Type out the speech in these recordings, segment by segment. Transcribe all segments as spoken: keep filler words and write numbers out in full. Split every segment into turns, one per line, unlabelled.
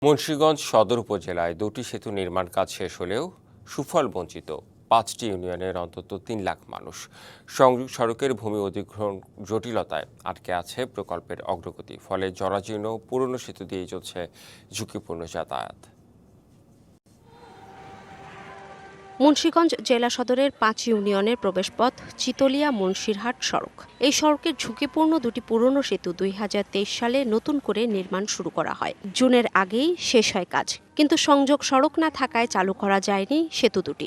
মুন্সিগঞ্জ সদর উপজেলায় দুটি সেতু নির্মাণ কাজ শেষ হলেও সুফল বঞ্চিত পাঁচটি ইউনিয়নের অন্তত তিন লাখ মানুষ। সংযোগ সড়কের ভূমি অধিগ্রহণ জটিলতায় আটকে আছে প্রকল্পের অগ্রগতি, ফলে জরাজীর্ণ পুরনো সেতু দিয়েই চলছে ঝুঁকিপূর্ণ যাতায়াত।
মুন্সিগঞ্জ জেলা সদরের পাঁচ ইউনিয়নের প্রবেশপথ চিতলিয়া মুন্সিরহাট সড়ক। এই সড়কের ঝুঁকিপূর্ণ দুটি পুরনো সেতু দুই হাজার তেইশ সালে নতুন করে নির্মাণ শুরু করা হয়। জুনের আগেই শেষ হয় কাজ, কিন্তু সংযোগ সড়ক না থাকায় চালু করা যায়নি সেতু দুটি।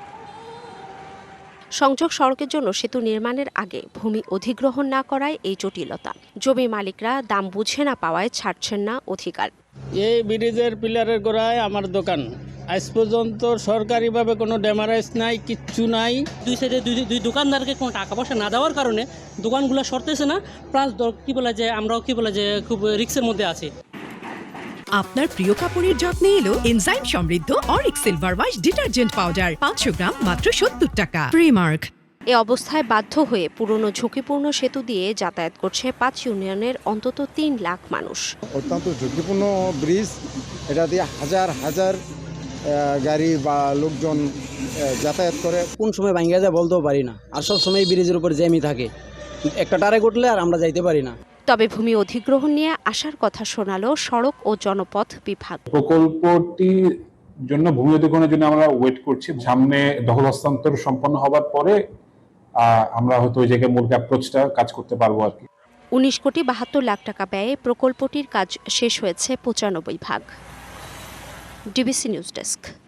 সংযোগ সড়কের জন্য সেতু নির্মাণের আগে ভূমি অধিগ্রহণ না করায় এই জটিলতা। জমি মালিকরা দাম বুঝে না পাওয়ায় ছাড়ছেন না অধিকার।
এই ব্রিজের পিলারের গোড়ায় আমার দোকান। আজ পর্যন্ত সরকারিভাবে কোনো ড্যামারেজ নাই, কিচ্ছু নাই।
দুই সাইডে দুই দুই দোকানদারকে কোনো টাকা পয়সা না দেওয়ার কারণে দোকানগুলো সরতেছে না, প্লাস কি বলে যে আমরাও কি বলে যে খুব রিস্কের মধ্যে আছি।
আপনার প্রিয় কাপড়ের যত্নে এলো এনজাইম সমৃদ্ধ অরিক সিলভার ওয়াশ ডিটারজেন্ট পাউডার পাঁচশো গ্রাম মাত্র সত্তর টাকা। প্রিমার্ক।
এ অবস্থায় বাধ্য হয়ে পুরনো ঝুঁকিপূর্ণ সেতু দিয়ে যাতায়াত করছে পাঁচ ইউনিয়নের অন্তত তিন লাখ মানুষ।
অত্যন্ত ঝুঁকিপূর্ণ ব্রিজ, এটা দিয়ে হাজার হাজার গাড়ি বা লোকজন যাতায়াত করে।
কোন সময় ভাঙ্গা যায় বলতেও পারি না, আর সব সময় ব্রিজের উপর জ্যামই থাকে, একটা টারে ঘটলে আর আমরা যাইতে পারি না।
তবে ভূমি অধিগ্রহণ নিয়ে আসার কথা শোনালো সড়ক ও জনপথ বিভাগ।
প্রকল্পটির জন্য ভূমি অধিগ্রহণের জন্য আমরা ওয়েট করছি। সামনে দখল হস্তান্তর সম্পন্ন হবার পরে আমরা হয়তো ওই জায়গায় মূল অ্যাপ্রোচটা কাজ করতে পারবো আর কি।
উনিশ কোটি বাহাত্তর লাখ টাকা ব্যয়ে প্রকল্পটির কাজ শেষ হয়েছে পঁচানব্বই ভাগ। DBC news desk.